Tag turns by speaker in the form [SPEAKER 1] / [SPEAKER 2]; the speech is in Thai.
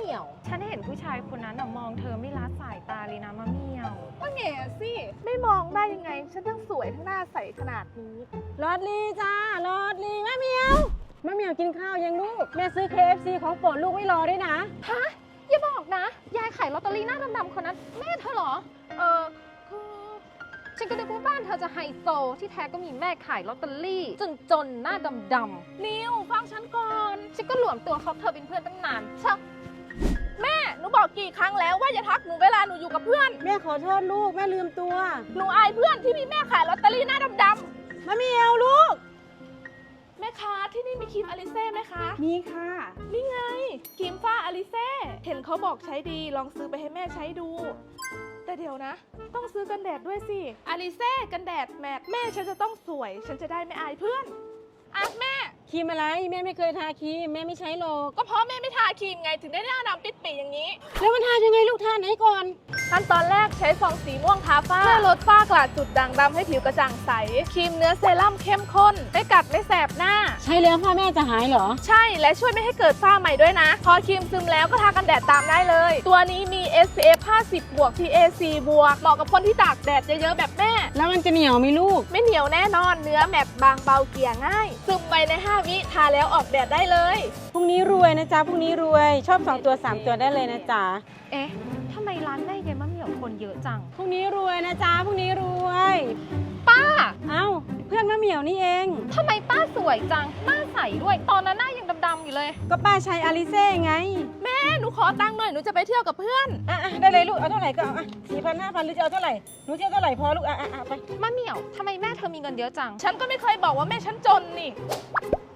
[SPEAKER 1] มียวฉันเห็นผู้ชายคนนั้นมองเธอไม่ละสายตาเลยนะมะเหมียวว่าแง่สิไม่มองได้ยังไงฉันทั้งสวยทั้งหน้าใสขนาดนี้
[SPEAKER 2] ลอดลีจ้าลอดลีแม่เหมียวกินข้าวยังลูกแม่ซื้อ KFC ของโปรดลูกไว้รอด้วยนะ
[SPEAKER 1] ฮะอย่าบอกนะยายขายลอตเตอรี่หน้าดำๆคนนั้นแม่เธอเหรอคือฉันก็นึกว่าบ้านเธอจะไฮโซที่แท้ก็มีแม่ขายลอตเตอรี่จนหน้าดำๆนิวฟังฉันก่อนฉันก็หลวมตัวเขาเธอเป็นเพื่อนตั้งนานชักแม่หนูบอกกี่ครั้งแล้วว่าอย่าทักหนูเวลาหนูอยู่กับเพื่อน
[SPEAKER 2] แม่ขอโทษลูกแม่ลืมตัว
[SPEAKER 1] หนูอายเพื่อนที่มีแม่ขายลอตเตอรี่หน้าดำ
[SPEAKER 2] ๆมะเหมียวลูก
[SPEAKER 1] แม่ค้าที่นี่มีครีมอลิเซ่ไหมคะ
[SPEAKER 2] มีค่ะ
[SPEAKER 1] นี่ไงครีมฝ้าอลิเซ่เห็นเขาบอกใช้ดีลองซื้อไปให้แม่ใช้ดูแต่เดี๋ยวนะต้องซื้อกันแดดด้วยสิอลิเซ่กันแดดแมทแม่ฉันจะต้องสวยฉันจะได้ไม่อายเพื่อนอ่ะแม่
[SPEAKER 2] ครีมอะไรแม่ไม่เคยทาครีมแม่ไม่ใช้หรอก
[SPEAKER 1] ก็เพราะแม่ไม่ทาครีมไงถึงได้หน้าดำปิดปีอย่างนี้
[SPEAKER 2] แล้วมันทายังไงลูกทาไหนก่อน
[SPEAKER 1] ขั้นตอนแรกใช้ฟองสีม่วงทาฝ้าเพื่อลดฝ้ากระจุดด่างดำให้ผิวกระจ่างใสครีมเนื้อเซรั่มเข้มข้นไม่กัดไม่แสบหน้า
[SPEAKER 2] ใช้แล้วพ่อแม่จะหายเหรอ
[SPEAKER 1] ใช่และช่วยไม่ให้เกิดฝ้าใหม่ด้วยนะพอครีมซึมแล้วก็ทากันแดดตามได้เลยตัวนี้มี SPF 50 บวก PA 4 บวกเหมาะกับคนที่ตากแดดเยอะๆแบบแม่
[SPEAKER 2] แล้วมันจะเหนียวไหมลูก
[SPEAKER 1] ไม่เหนียวแน่นอนเนื้อแมตต์บางเบาเกลี่ยง่ายซึมไปใน5 วิทาแล้วออกแดดได้เลย
[SPEAKER 2] พรุ่งนี้รวยนะจ๊ะพรุ่งนี้รวยชอบ2ตัว3ตัวได้เลยนะจ๊ะ
[SPEAKER 1] เอ๊ะทำไมร้านแม่เย็นมะเหมี่ยวคนเยอะจัง
[SPEAKER 2] พรุ่งนี้รวยนะจ๊ะพรุ่งนี้รวย
[SPEAKER 1] ป้า
[SPEAKER 2] เอ้าเพื่อนมะเหมี่ยวนี่เอง
[SPEAKER 1] ทำไมป้าสวยจังหน้าใสด้วยตอนนั้นหน้ายังดำๆอยู่เลย
[SPEAKER 2] ก็ป้าใช้อลิเซ่ไง
[SPEAKER 1] แม่หนูขอตังค์หน่อยหนูจะไปเที่ยวกับเพื่อน
[SPEAKER 2] ได้เลยลูกเอาเท่าไหร่ก็เอา4,000 5,000หรือจะเอาเท่าไหร่หนูจะเอาเท่าไหร่พอลูกไป
[SPEAKER 1] มะเหมี่ยวทำไมแม่เธอมีเงินเยอะจังฉันก็ไม่เคยบอกว่าแม่ฉันจนนี่